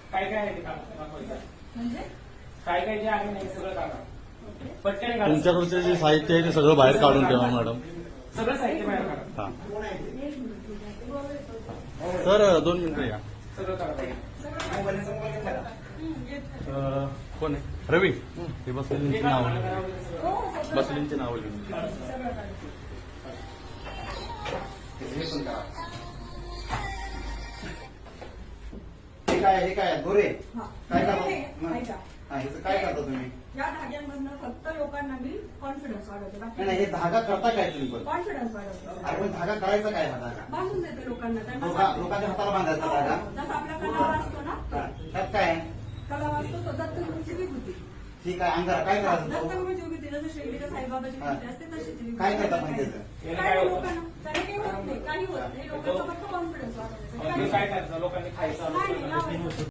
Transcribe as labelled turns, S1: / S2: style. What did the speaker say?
S1: काय काय आहे ते काम
S2: म्हणजे
S1: काय काय जे आहे नाही सगळं काढा. पटकन काढा.
S3: तुमच्याकडचे जे साहित्य आहे ते सगळं बाहेर काढून ठेवा मॅडम.
S1: सगळं साहित्य बाहेर काढा.
S3: हा सर 2 मिनिटं या.
S1: सगळं काढा.
S3: कोण आहे रवी हे बसलेलींची नाव बसलेलींची नाव लिहून
S4: हे काय दोरे काय करता
S2: ऐका.
S4: ह्याचं काय करता तुम्ही?
S2: या धाग्यांमधनं फक्त लोकांना मी कॉन्फिडन्स वाढवते.
S4: नाही हे धागा करता काय तुम्ही पण?
S2: कॉन्फिडन्स वाढवते.
S4: आपण धागा करायचा काय हा धागा?
S2: बांधून देते लोकांना. त्यांना
S4: लोकांच्या हाताला बांधायचा धागा?
S2: जसा आपला कलावा असतो ना,
S4: त्यात काय आहे?
S2: कलावा असतो तो दत्तगुरूची विभूती.
S4: ठीक आहे अंधार काय करायचं?
S2: दत्तगुरूची विभूती जसं शिर्डीच्या साईबाबाची विभूती असते तशी ती
S4: काय करता
S2: विभूती.
S4: म्हणजे त्याचं?
S2: काही लोकांना त्याने काही होत नाही, काही होत नाही. लोकांचा फक्त कॉन्फिडन्स वाढवण्यासाठी.
S1: काय करायचं लोकांनी खायचं
S2: नाही, नाही, लावायचं.